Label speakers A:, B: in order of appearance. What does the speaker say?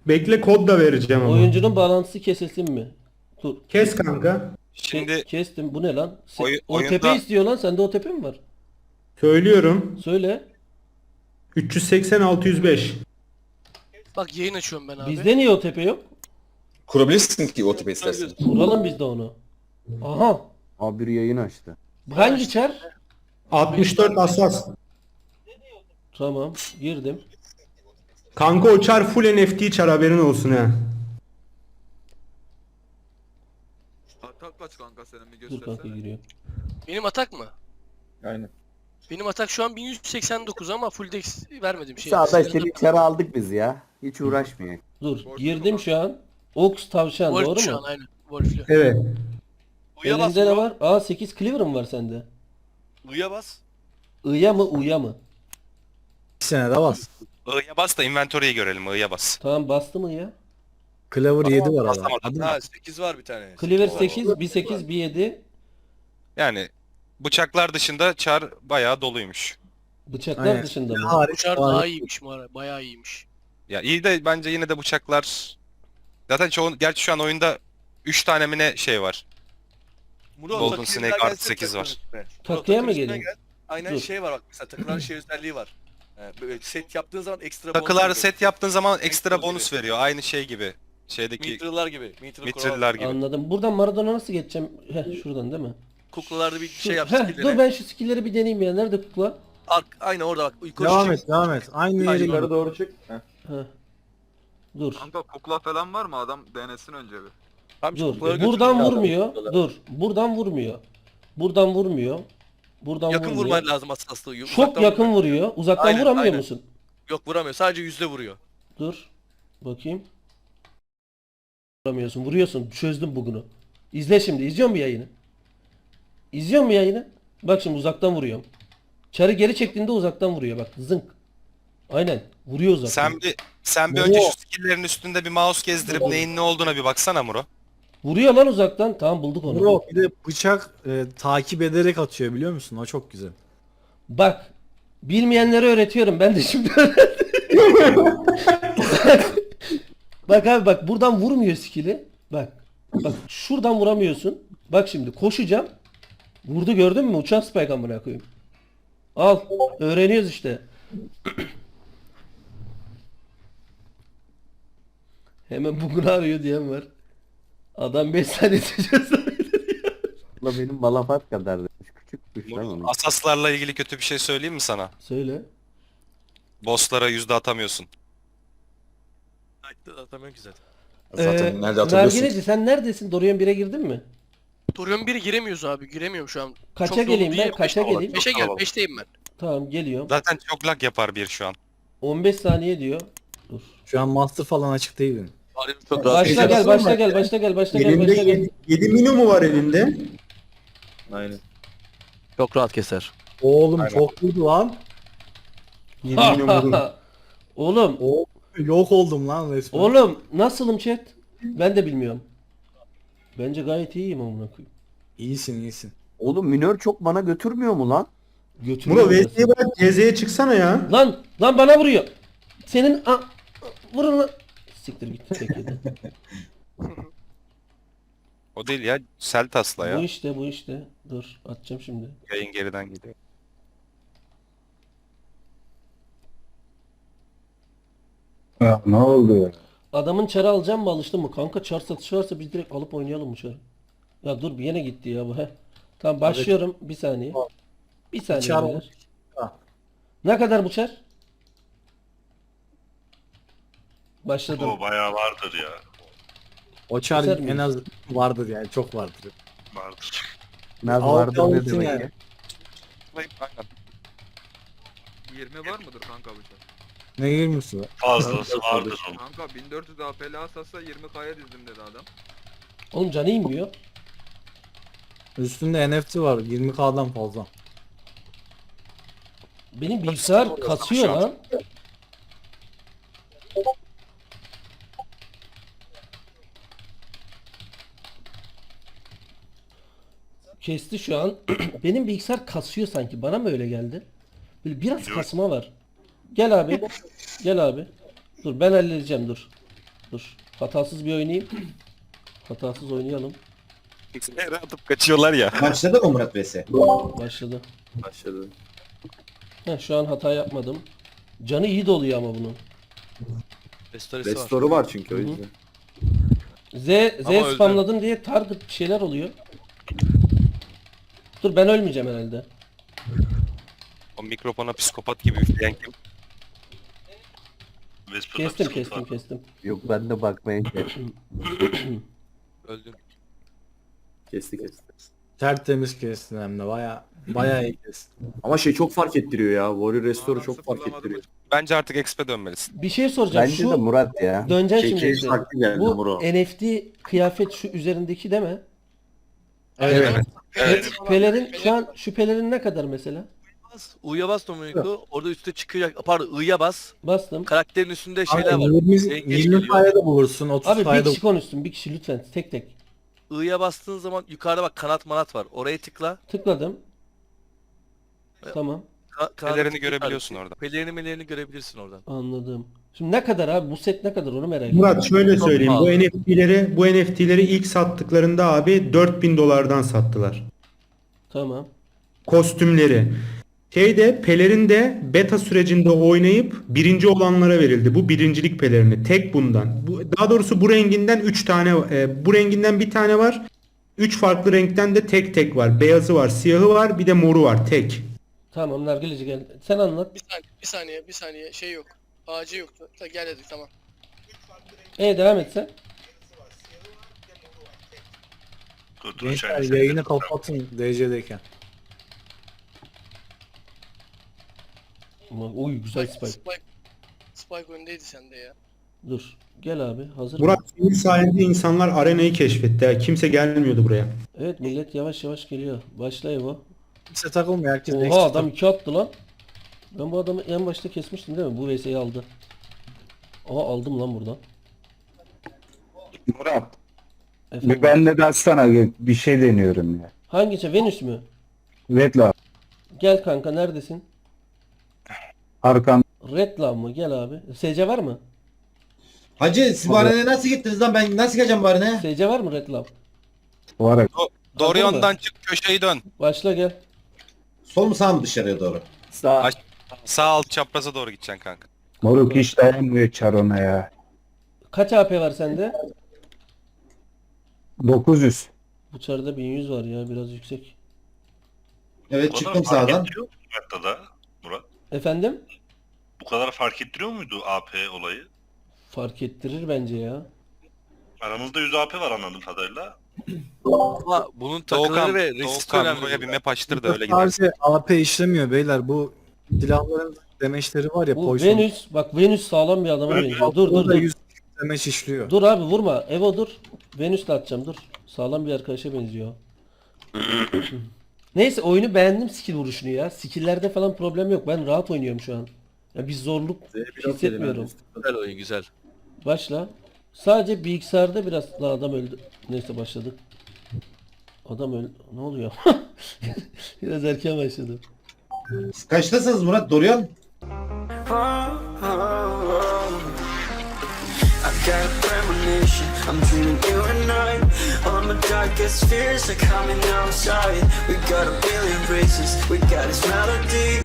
A: Bekle, kod da vereceğim ama.
B: Oyuncunun bağlantısı kesilsin mi? Dur.
A: Kes kanka.
C: Şimdi
B: Kestim. Bu ne lan? OTP
C: oyunda
B: istiyor lan. Sende OTP mi var?
A: Söylüyorum.
B: Söyle.
A: 380 605.
D: Bak yayın açıyorum ben abi.
B: Bizde niye OTP yok?
E: Kurabilirsin ki o tipi istersen.
B: Kuralım biz de onu. Aha.
F: Abi bir yayın açtı.
B: Hangi çar?
A: 64 asas.
B: Tamam. Girdim.
A: Kanka o çar full NFT çar, haberin olsun ha.
G: Atak kaç kanka senin bir
B: Dur kanka
G: göstersene.
B: giriyor.
D: Benim atak mı?
E: Aynen.
D: Benim atak şu an 1189 ama full dex vermedim şey.
F: Sağda işte bir çare aldık biz ya. Hiç uğraşmıyor.
B: Dur. Girdim şu an. Ox tavşan
D: Wolf
B: doğru
D: şu
B: mu?
D: an aynen. Wolf'lü.
A: Evet.
H: U'ya bas.
B: Elinde ne
H: bro.
B: var? Aa 8 cleaver mı var sende?
H: U'ya bas.
B: I'ya mı U'ya mı?
I: Bir sene de bas.
C: I'ya bas da inventory'yi görelim. I'ya bas.
B: Tamam bastı mı ya?
I: Clever 7 var adam.
C: Basamadım.
I: Hadi.
H: Ha 8 var bir tane.
B: Cleaver
H: var.
B: 8, bir 8, bir 7.
C: Yani bıçaklar dışında çar bayağı doluymuş.
B: Bıçaklar
I: Aynen.
B: dışında mı?
I: Hariç
D: Uçar
I: var.
D: daha iyiymiş bu ara. Bayağı iyiymiş.
C: Ya iyi de bence yine de bıçaklar... Zaten gerçi şu an oyunda 3 tane mi ne şey var.
H: Murat,
C: Golden
H: takıya
C: Snake
H: gelsene
C: artı 8 var.
H: takımın üstüne. Murat,
B: Takıya mı
H: takımın üstüne
B: geleyim?
H: gel. Aynen
B: Dur.
H: şey var bak mesela takılan şey özelliği var. Böyle set yaptığın zaman ekstra
C: Takılar
H: bonus
C: set yaptığın zaman ekstra
H: Ekstra
C: bonus
H: gibi.
C: veriyor. Aynı şey gibi. Şeydeki
H: Mitriller gibi. Mitral
C: Mithriller gibi.
B: Anladım. Buradan Maradona nasıl geçeceğim? Heh şuradan değil mi?
H: Kuklalarda bir
B: Şu-
H: şey yap
B: Heh,
H: skill'leri.
B: dur ben şu skill'leri bir deneyeyim ya. Nerede kukla?
H: Aynı orada bak. Yukarı
I: Devam
H: çek.
I: et, devam et. Aynı yere
E: Yukarı
I: git.
E: doğru çık. Heh.
B: Heh. Dur.
G: Kanka kukla falan var mı? Adam denesin önce bir.
H: Tamam,
B: Dur.
H: kuklaları götür.
B: Buradan
E: götürün.
B: vurmuyor. Dur. Buradan vurmuyor. Buradan vurmuyor. Buradan
H: Yakın
B: vurmuyor.
H: vurman lazım asaslığı.
B: Çok yakın vuruyor. Uzaktan
H: Aynen,
B: vuramıyor
H: aynen.
B: musun?
H: Yok vuramıyor. Sadece yüzde vuruyor.
B: Dur. Bakayım. Vuramıyorsun. Vuruyorsun. Çözdüm bugünü. İzle şimdi. İzliyor mu yayını? İzliyor mu yayını? Bak şimdi uzaktan vuruyorum. Çarı geri çektiğinde uzaktan vuruyor. Bak zınk. Aynen. Vuruyor uzaktan.
C: Sen bir önce şu skill'lerin üstünde bir mouse gezdirip neyin ne olduğuna bir baksana Muro.
B: Vuruyor lan uzaktan. Tamam bulduk onu.
I: Bro bir de bıçak takip ederek atıyor biliyor musun? O çok güzel.
B: Bak. Bilmeyenlere öğretiyorum. Ben de şimdi öğrendim. Bak abi bak buradan vurmuyor skill'i. Bak. Bak şuradan vuramıyorsun. Bak şimdi koşacağım. Vurdu gördün mü? Uçan spike amına koyayım. Al. Öğreniyoruz işte. Hemen bugün arıyor diyen var. Adam 5 saniye çözüyor.
F: La benim malafat kadar demiş. Küçükmüş lan onun.
C: Asaslarla ilgili kötü bir şey söyleyeyim mi sana?
B: Söyle.
C: Bosslara yüzde atamıyorsun.
H: Atamıyorum ki zaten.
E: Zaten nerede atabiliyorsun?
B: Nargineci sen neredesin? Dorian 1'e girdin mi?
D: Torion 1'e giremiyoruz abi. Giremiyorum şu an.
B: Kaça
D: Çok dolu
B: geleyim ben?
D: değil.
B: Kaça geleyim?
D: 5'e gel. 5'teyim ben.
B: Tamam geliyorum.
C: Zaten çok lag yapar bir şu an.
B: 15 saniye diyor. Dur.
I: Şu an master falan açık değil benim.
H: Çok
B: Başla gel, başla gel, başla gel, başla gel,
A: Elinde
B: başla gel.
A: 7 minu mu var elinde?
E: Aynen.
H: Çok rahat keser.
I: Oğlum
E: Aynen.
I: çok vurdu lan.
A: 7 minu vurun.
B: Oğlum,
I: Yok oldum lan resmen.
B: oğlum nasılım chat? Ben de bilmiyorum. Bence gayet iyiyim amına koyayım.
I: İyisin iyisin.
F: Oğlum minör çok bana götürmüyor mu lan?
B: Götürüyor
A: Muro
B: orası.
A: VS'ye bırak, CZ'ye çıksana ya.
B: Lan bana vuruyor. Senin vurun lan. Siktir git çekildi.
C: O değil ya. Seltas'la
B: Bu
C: ya.
B: işte, bu işte. Dur, atacağım şimdi.
C: Yayın geriden gidiyor.
E: Ne oldu ya?
B: Adamın çarı alacağım mı alıştın mı? Kanka çar satışı varsa biz direkt alıp oynayalım bu çarı. Ya dur bir yine gitti ya bu he. Tamam başlıyorum bir saniye. Bir saniye
I: Çar
B: beyler.
I: Ha.
B: Ne kadar bu çar? Başladım.
J: bayağı vardır ya.
I: O çar
B: Keser
I: en
B: miyiz?
I: az vardır yani çok vardır.
J: Vardır.
F: Naz
I: Al-
F: vardır
I: al
F: ne
I: gitsin
F: demek
I: yani.
F: ya?
C: Aynen.
G: 20 var mıdır kanka bıçak?
I: Ne girmişsin?
J: Fazlası vardır onun.
G: Kanka 1400 AP'li asasa 20K'ya dizdim dedi adam.
B: Oğlum canı inmiyor.
I: Üstünde NFT var 20K'dan fazla.
B: Benim bilgisayar kasıyor
C: şu an.
B: lan. Kesti şu an. Benim bilgisayar kasıyor sanki. Bana mı öyle geldi? Böyle biraz
J: Biliyorum.
B: kasma var. Gel abi. Gel abi. Dur ben halledeceğim dur. Dur. Hatasız bir oynayayım. Hatasız oynayalım.
C: Yere atıp kaçıyorlar ya.
E: Başladı mı Murat vs?
B: Başladı.
E: Başladı.
B: Heh, şu an hata yapmadım. Canı iyi doluyor ama bunun.
H: Restoresi var.
E: Restoru var çünkü o
B: Hı hı.
E: yüzden.
B: Z
H: Ama öldü.
B: spamladım diye target bir şeyler oluyor. Dur ben ölmeyeceğim herhalde.
C: O mikrofona psikopat gibi üfleyen kim?
J: Vesper'da
B: Kestim
J: bir sıkıntı
B: kestim
J: var.
B: kestim.
F: Yok ben de bakmaya geldim.
H: Öldün.
E: Kesti kesti.
I: Tertemiz kestin hem de baya iyi kestin.
E: Ama şey çok fark ettiriyor ya. Warrior Restore'u çok fark
G: Sıfırlamadım
E: ettiriyor.
C: Bence artık XP dönmelisin.
B: Bir şey soracağım.
F: Bence de
B: Şu
F: Murat ya.
B: döneceğim
E: Şey,
B: şimdi.
E: keyif
B: size.
E: farklı geldi
B: Bu
E: Muro.
B: NFT kıyafet şu üzerindeki değil mi?
I: Evet.
J: Evet.
B: Pelerin şu an şu pelerin ne kadar mesela?
H: U'ya bas Dominik'u. Orada üstte çıkacak. Pardon I'ya bas.
B: Bastım.
H: Karakterin üstünde şeyler
I: Abi
H: var.
I: 20,
H: Yengeç
I: 20
H: geliyor.
I: sayede bulursun, 30
B: Abi bir
I: sayede
B: kişi konuşsun. Bir kişi lütfen tek tek.
H: I'ya bastığın zaman yukarıda bak kanat manat var. Oraya tıkla.
B: Tıkladım. Tamam.
H: Kanatı
C: Pelerini
H: tıkla.
C: görebiliyorsun orada.
H: Pelerini görebilirsin oradan.
B: Anladım. Şimdi ne kadar abi? Bu set ne kadar onu merak ediyorum.
A: Murat şöyle
H: Çok
A: söyleyeyim.
H: pahalı.
A: Bu NFT'leri ilk sattıklarında abi 4000 dolardan sattılar.
B: Tamam.
A: Kostümleri. Pelerin de beta sürecinde oynayıp birinci olanlara verildi. Bu birincilik pelerini. Tek bundan. Daha doğrusu bu renginden 3 tane, bu renginden bir tane var. 3 farklı renkten de tek tek var. Beyazı var, siyahı var, bir de moru var. Tek.
B: Tamam Nargileci gel. Sen anlat.
D: Bir saniye şey yok. Ağacı yoktu. Gel dedik tamam.
B: Devam et sen.
J: Dur,
I: Gençler
J: içeride
I: yayını
J: sesler.
I: kapatın DC'deyken.
B: Uy güzel spike.
D: Spike öndeydi sende ya.
B: Dur. Gel abi. Hazır
A: Murat
B: mı?
A: senin sayende insanlar arenayı keşfetti. Kimse gelmiyordu buraya.
B: Evet millet yavaş yavaş geliyor. Başla Evo.
I: Kimse takılmıyor, herkes
B: Oha
I: eksik
B: adam 2 attı lan. Ben bu adamı en başta kesmiştim değil mi? Bu VS'yi aldı. Aha aldım lan buradan.
F: Murat.
B: Efendim.
F: Ben de sana bir şey deniyorum ya.
B: Hangisi? Venüs mü?
F: Redla
B: Gel kanka neredesin?
F: arkan
B: Redlaw mı? Gel abi. SC var mı?
E: Hacı siz bu arenaya nasıl gittiniz lan? Ben nasıl geleceğim bu arenaya?
B: SC var mı Redlaw?
F: var.
C: Doğru
B: Hazır mı?
C: yönden çık, köşeyi dön.
B: Başla gel.
E: Sol mu sağ mı dışarıya doğru?
F: Sağ.
C: Sağ alt çapraza doğru gideceksin kanka.
F: Moruk hiç dayanmıyor Çarona ya.
B: Kaç AP var sende?
F: 900.
B: Bu çarda 1100 var ya biraz yüksek.
E: Evet
J: Bu kadar
E: çıktım
J: fark
E: sağdan.
J: ettiriyor mu haritada Murat?
B: Efendim?
J: Bu kadar fark ettiriyor muydu AP olayı?
B: Fark ettirir bence ya.
J: Aramızda 100 AP var anladığım kadarıyla.
H: Ama bunun takıları
C: Doğukan,
H: ve resist
C: Doğukan
H: önemli.
C: buraya bir map açtır da öyle gidelim.
I: Sadece AP işlemiyor beyler. Bu silahların demeçleri var ya.
B: Bu
I: poison.
B: Venüs bak Venüs sağlam bir adama benziyor. Dur
I: Orada
B: dur.
I: 100 demeç işliyor.
B: Dur abi vurma. Evo dur. Venüs de atacağım dur. Sağlam bir arkadaşa benziyor. Neyse oyunu beğendim skill vuruşunu ya. Skill'lerde falan problem yok. Ben rahat oynuyorum şu an. Ya bir zorluk hissetmiyorum.
H: Güzel oyun güzel.
B: Başla. Sadece bilgisayarda biraz daha adam öldü. Neyse başladık. Adam öldü. Ne oluyor? Biraz erken başladı.
E: Kaçtasınız Murat? Dorian?
K: I've got a premonition, I'm dreaming you and I. All my darkest fears are coming outside. We got a billion races, we got this melody.